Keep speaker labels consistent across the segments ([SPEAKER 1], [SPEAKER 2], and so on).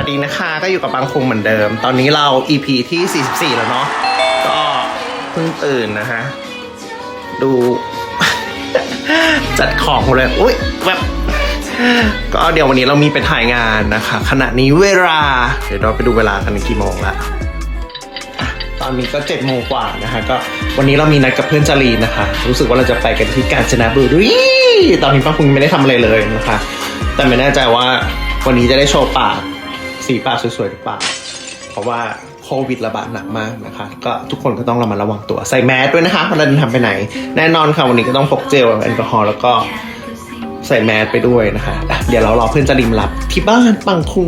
[SPEAKER 1] วัสดีนะคะก็อยู่กับบางคงเหมือนเดิมตอนนี้เรา EP ที่44แล้วเนาะก็เพิ่งตื่นนะฮะดู จัดของเลยอุ้ยแบบก็เดี๋ยววันนี้เรามีไปถ่ายงานนะคะขณะนี้เวลาเดี๋ยวเราไปดูเวลากันกี่โมงละตอนนี้ก็7 โมงกว่านะคะก็วันนี้เรามีนัดกับเพื่อนจารีนนะคะรู้สึกว่าเราจะไปกันที่กาญจนบุรีตอนนี้ป้าพุงไม่ได้ทำอะไรเลยนะคะแต่ไม่แน่ใจว่าวันนี้จะได้โชว์ปากสีปากสวยๆหรือเปล่าเพราะว่าโควิดระบาดหนักมากนะคะก็ทุกคนก็ต้องระมัดระวังตัวใส่แมสด้วยนะคะเวลาเดินทางไปไหนแน่นอนค่ะวันนี้ก็ต้องพกเจลแอลกอฮอล์แล้วก็ใส่แมสไปด้วยนะคะเดี๋ยวเรารอเพื่อนจะริมรับที่บ้านปังคุง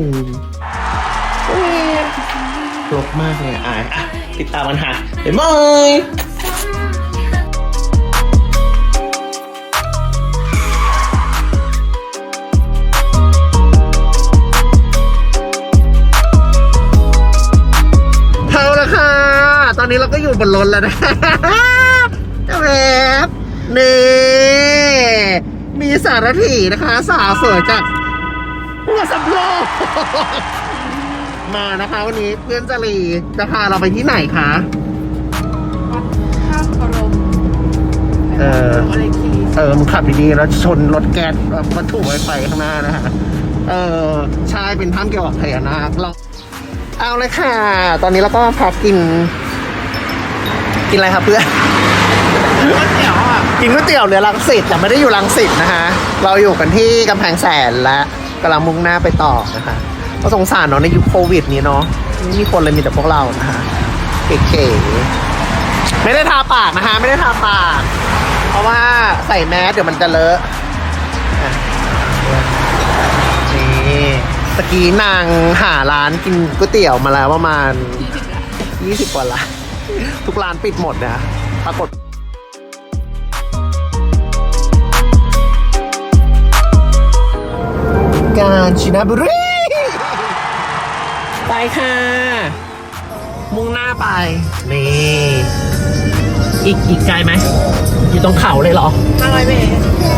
[SPEAKER 1] รกมากเลยอ่ะติดตามกันค่ะบ๊ายบายตอนนี้เราก็อยู่บนรถแล้วนะแบบนี่มีสารถีนะคะสาวสวยจากหัวสำโรงมานะคะวันนี้เพื่อนจารีจะพาเราไปที่ไหนคะ
[SPEAKER 2] วัดข้ามกรม
[SPEAKER 1] มึงขับดีๆแล้วชนรถแก๊สวัตถุไวไฟข้างหน้านะฮะใช่เป็นถ้ำเกี่ยวกับพญานาคเราเอาเลยค่ะตอนนี้เราก็พักกินอะไรครับเพื่อนก๋วยเตี๋ยวอ่ะกินก๋วยเตี๋ยวเรือรังสิตแต่ไม่ได้อยู่รังสิตนะคะเราอยู่กันที่กำแพงแสนและกำลังมุ่งหน้าไปต่อนะคะก็สงสารเนาะในยุคโควิดนี้เนาะไม่มีคนเลยมีแต่พวกเรานะคะเก๋ๆไม่ได้ทาปากนะคะไม่ได้ทาปากเพราะว่าใส่แมสเดี๋ยวมันจะเลอะนี่ตะกี้นางหาร้านกินก๋วยเตี๋ยวมาแล้วประมาณ20 กว่าร้านทุกร้านปิดหมดนะปรากฏกาญจนบุรีไปค่ะมุ่งหน้าไปนี่อีกไกลไหมอยู่ตรงเขาเลยเหรอ
[SPEAKER 2] 500 เมตร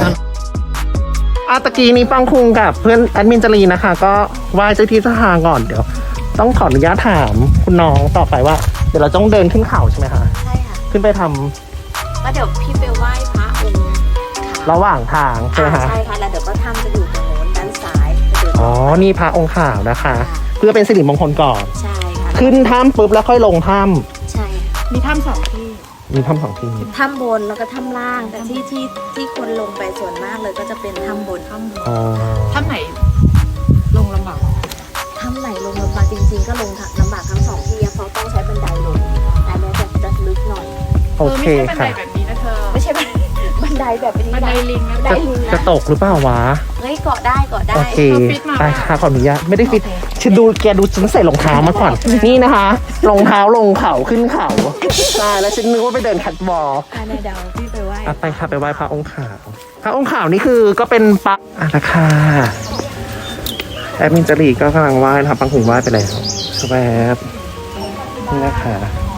[SPEAKER 1] ตะกี้นี้ปังคุงกับเพื่อนแอดมินจารีนะคะก็ไหว้เจ้าที่เจ้าทางก่อนเดี๋ยวต้องขออนุญาตถามคุณน้องต่อไปว่าเดี๋ยวเราต้องเดินขึ้นเขาใช่ไหมคะ
[SPEAKER 2] ใช่ค่ะ
[SPEAKER 1] ขึ้นไปทำ
[SPEAKER 2] แล้วเดี๋ยวพี่ไปไหว้พระองค์
[SPEAKER 1] ระหว่างทางใช่ไหมคะ
[SPEAKER 2] ใช่ค่ะแล้วเดี๋ยวก็ทำจะอยู่ตรงโน้นด้านซ้าย
[SPEAKER 1] อ๋อนี่พระองค์ขาวนะคะเพื่อเป็นสิริมงคลก่อน
[SPEAKER 2] ใช่ค่ะ
[SPEAKER 1] ขึ้นถ้ำปุ๊บแล้วค่อยลงถ้
[SPEAKER 2] ำใช่มีถ้ำ2 ที่
[SPEAKER 1] มีถ้ำ2 ที่
[SPEAKER 2] ถ้ำบนแล้วก็ถ้ำล่างแต่ที่คนลงไปส่วนมากเลยก็จะเป็นถ้ำบนถ้ำไหนลงลำบากถ้ำไหนลงลำบากจริงๆก็ลงลำบากทั้ง2 ที่เพราะต้องใช้บันไดลงแต่แม้จะลึกหน่อย
[SPEAKER 1] โอเคค่ะ
[SPEAKER 2] ไม่ใช่บันไดแบบนี้บันไดลิง
[SPEAKER 1] จะตกหรือเปล่าวะ
[SPEAKER 2] เฮ้ยเกาะได้
[SPEAKER 1] โอเคได้ค่ะขออนุญาตไม่ได้ฟิตฉันดูแกดูฉันใส่รองเท้ามาก่อนนี่นะคะรองเท้าลงเขาขึ้นเขาใช่แล้วฉันนึกว่าไปเดินคัทวอล์ก
[SPEAKER 2] เดาพี่ไปไหว้
[SPEAKER 1] ไปค่ะไปไหว้พระองค์ขาวพระองค์ขาวนี่คือก็เป็นปักนะคะแอดมินจารีก็กำลังไหว้ทำปังหุงไหว้ไปแล้วแวบนี่นะคะ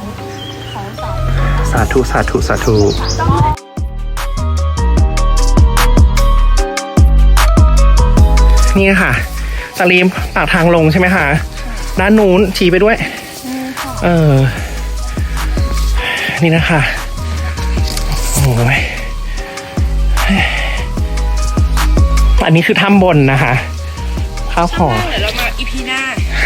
[SPEAKER 1] สาธุสาธุสาธุนี่ค่ะจารีปากทางลงใช่ไหมคะด้านนู้นชี้ไปด้วยนี่นะคะโอ้ยอันนี้คือถ้ำบนนะคะข้าวหอม
[SPEAKER 2] เดี๋ยวเรามาอีพีหน้า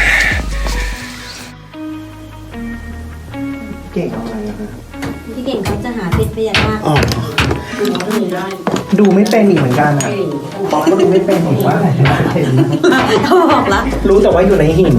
[SPEAKER 1] เก่งอะไรนะ
[SPEAKER 2] พี่เก่งเขาจะหาเพชรพญานาค
[SPEAKER 1] ดูไม่เป็นอีกเหมือนกันนะบอกก็ดูไม่เป็นอีกว่าอะไรเห็น
[SPEAKER 2] เขาบอกแล้ว
[SPEAKER 1] รู้แต่ว่าอยู่ในหิน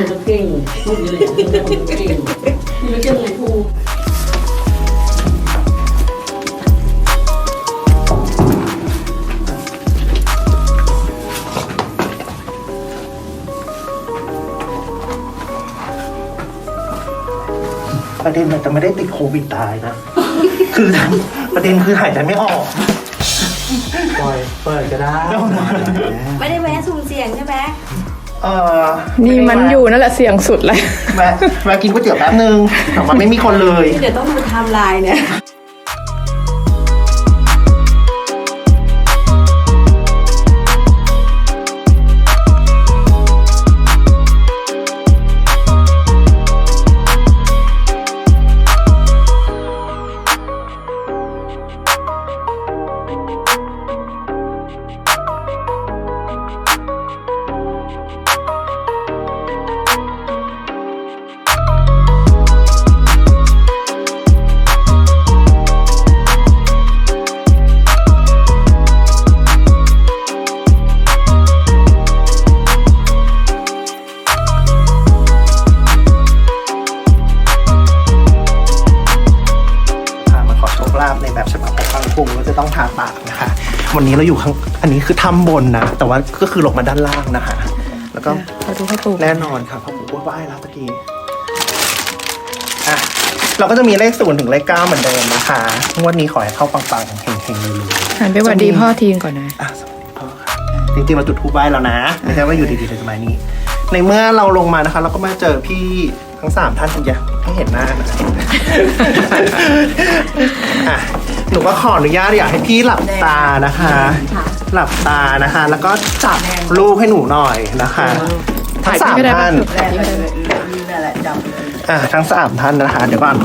[SPEAKER 1] ประเด็นมันจะไม่ได้ติดโควิดตายนะคือประเด็นคือหายใจไม่ออกปล่อยเปิดก็ได้
[SPEAKER 2] ไม่ได้แวะสุ่มเสี่ยงใช่ไหม
[SPEAKER 3] นี่มันอยู่นั่นแหละเสี่ยงสุดเลย
[SPEAKER 1] แวะกินก๋วยเตี๋ยวแป๊บนึงแต่ว่าไม่มีคนเลย
[SPEAKER 2] เดี๋ยวต้องดูไทม์ไลน์เนี่ย
[SPEAKER 1] พในแบบฉบับของปังคุงก็จะต้องทาปากนะคะ วันนี้เราอยู่ข้างอันนี้คือถ้ำบนนะแต่ว่าก็คือลงมาด้านล่างนะคะ แล้วก็
[SPEAKER 3] ขอดูพ่อปู่
[SPEAKER 1] แน่นอนค่ะพ่อปู่ไหว้แล้วตะกี้อ่ะเราก็จะมีเลข0ถึงเลข9เหมือนเดิมนะคะงวดนี้ขอให้เข้าปังๆเฮงๆเลยๆ
[SPEAKER 3] หันไปหวัดดีพ่อทีนก่อนนะ
[SPEAKER 1] อ่ะสวัสดีพ่อค่ะจริงๆเราจุดธูปไหว้แล้วนะไม่ใช่ว่าอยู่ดีๆเลยจะมานี้ ในเมื่อเราลงมานะคะ เราก็มาเจอพี่ทั้ง3ท่านคุณยะให้เห็นหน้านะ อ่ะหนูก็ขออนุญาตอยากให้พี่หลับตานะคะ หลับตานะคะ แล้วก็จับลูกให้หนูหน่อยนะคะทั้ง3ท่านทั้ง3ท่านนะคะเดี๋ยวก่อน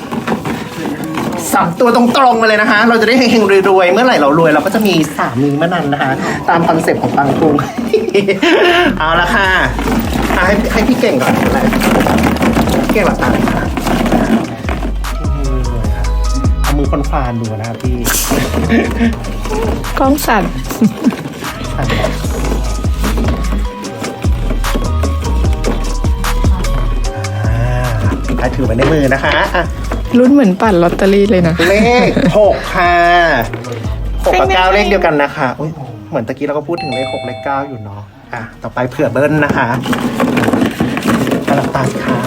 [SPEAKER 1] 3ตัวตรงๆมาเลยนะคะ เราจะได้เฮงๆรวยๆเมื่อไหร่เรารวยเราก็จะมีสามีเมื่อนั้นนะคะ ตามคอนเซ็ปต์ของปังคุง เอาละค่ะให้พี่เก่งก่อนอะไรพี่เก่งหลับตาเลยค่ะเอามือคนฟานดูนะครับพี่
[SPEAKER 3] กล้องสั่น
[SPEAKER 1] ถือไว้ในมือนะคะอ่ะ
[SPEAKER 3] รุ่นเหมือนปั่นลอตเตอรี่เลยนะ
[SPEAKER 1] เลข6ค่ะ6กับ9เลขเดียวกันนะคะอุ๊ยเหมือนตะกี้เราก็พูดถึงเลข6เลข9อยู่เนาะอ่ะต่อไปเผื่อเบิ้ลนะคะหลับตาสิค่ะ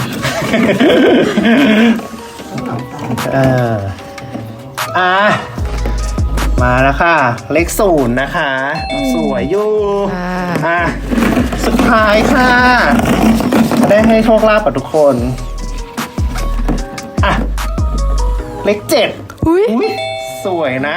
[SPEAKER 1] มาแล้วค่ะ เลข0นะคะ สวยอยู่อ่ะสุดท้ายค่ะ ได้ให้โชคลาภกับทุกคนอ่ะเลข7
[SPEAKER 3] อุ้ย
[SPEAKER 1] อุ๊ยสวยนะ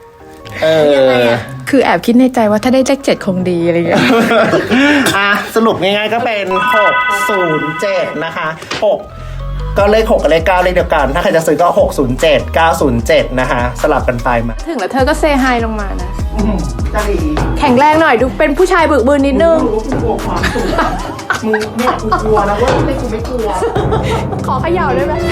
[SPEAKER 3] คือแอบคิดในใจว่าถ้าได้เลข7คงดีอะไรอย่างเงี้ย
[SPEAKER 1] อ่ะสรุปง่ายๆก็เป็น607นะคะ6ก็เลข6กับเลข9เลขเดียวกัน ถ้าใครจะซื้อก็607 907นะคะสลับกันไปมา
[SPEAKER 3] ถึงแล้วเธอก็เซฮายลงมานะ
[SPEAKER 1] จะดี
[SPEAKER 3] แข็งแรงหน่อยดูเป็นผู้ชายบึกบืนนิดนึง
[SPEAKER 1] รู้กูกลัวความสูงมึงเนี่ยกูกลัวนะเว้ยไม่กูไม่กลัว
[SPEAKER 3] ขอเขย่าได้ไหม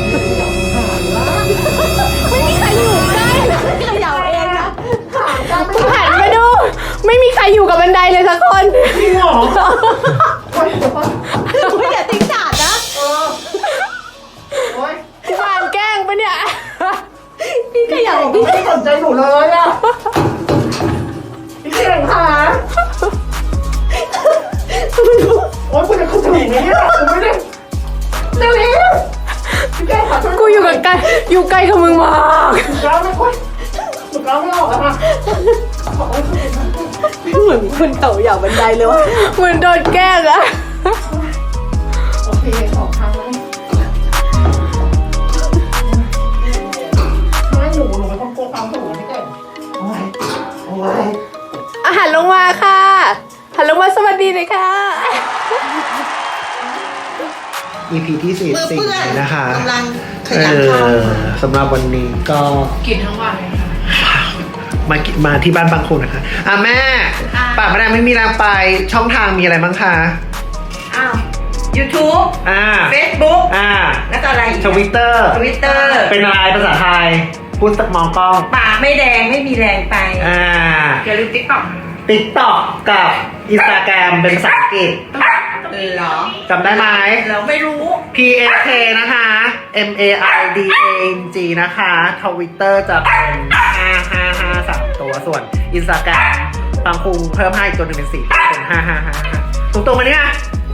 [SPEAKER 3] ไม่มีใครอยู่ใกล้เลยเขย่าเองนะคุณหันมาดู ไม่มีใครอยู่กับบันไดเลยสักคน
[SPEAKER 1] จริงเหรอ
[SPEAKER 3] ไม่อย่าทิ้งจาดนะ
[SPEAKER 1] โอ๊ย
[SPEAKER 3] คุณหันแกล้งปะเนี่ย พี่เขย่า
[SPEAKER 1] พี่ไม่สนใจหนูเลยอ่ะพี่เก่งค่ะโอ๊ยคุณจะเข้าถึงไหมเนี่ยผมไม่ได้เร็วพี่เก่งค่ะ
[SPEAKER 3] กูอยู่กับไกลอยู่ไกลกับมึงมาก
[SPEAKER 1] หนูกล้าไม่ค่อยหนูกล้าไม่ออกแล้วค่ะ
[SPEAKER 2] เหมือนคนเต่าเหย่าบันไดเลยวะ
[SPEAKER 3] เหมือนโดนแกล้งอะ
[SPEAKER 1] โอเคออกทางแล้วไม่หนูไม่ต้องกลัวความสูงนะพี่เก่งโอ้ยโอ้ย
[SPEAKER 3] อาหารลงมาค่ะหันลงมาสวัสดีเลยค่ะ
[SPEAKER 1] EP ที่44นะคะ
[SPEAKER 2] กำลังขยันท
[SPEAKER 1] สำหรับวันนี้ก็
[SPEAKER 3] กินทั้งวันเลยค่ะ
[SPEAKER 1] มาที่บ้านบางคนนะคะแม่ป่าไม่ได้ไม่มีแรงไปช่องทางมีอะไรบ้างคะ
[SPEAKER 2] อ้าว YouTube Facebook แล้วก็อะไรอีก
[SPEAKER 1] Twitter เป็นอะไรภาษาไทย พูดสักมองกล้อง
[SPEAKER 2] ปากไม่แดงไม่มีแรงไปอย่าลืม
[SPEAKER 1] TikTok กับ Instagram เป็นภาษาอังกฤษ
[SPEAKER 2] เหรอ
[SPEAKER 1] จำได้ไหม
[SPEAKER 2] เราไม่รู้
[SPEAKER 1] PAK นะคะ MAIDANG นะคะ Twitter จะเป็น5553ตัวส่วน Instagram บางคุงเพิ่มให้อีกตัวหนึ่งเป็น4เป็น5555ตรงๆมาเนี่ย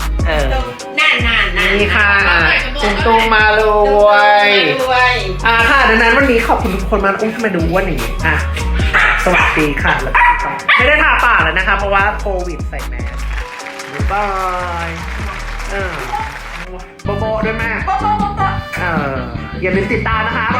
[SPEAKER 1] นี่ค่ะตุงมาเลยค่ะดังนั้นวันนี้ขอบคุณทุกคนมากทำไมดูอ้วนอย่างนี้สวัสดีค่ะแล้วก็ไม่ได้ทาปากเลยนะคะเพราะว่าโควิดใส่แมสบายโบโบด้วยแม่อย่าลืมติดตามนะคะ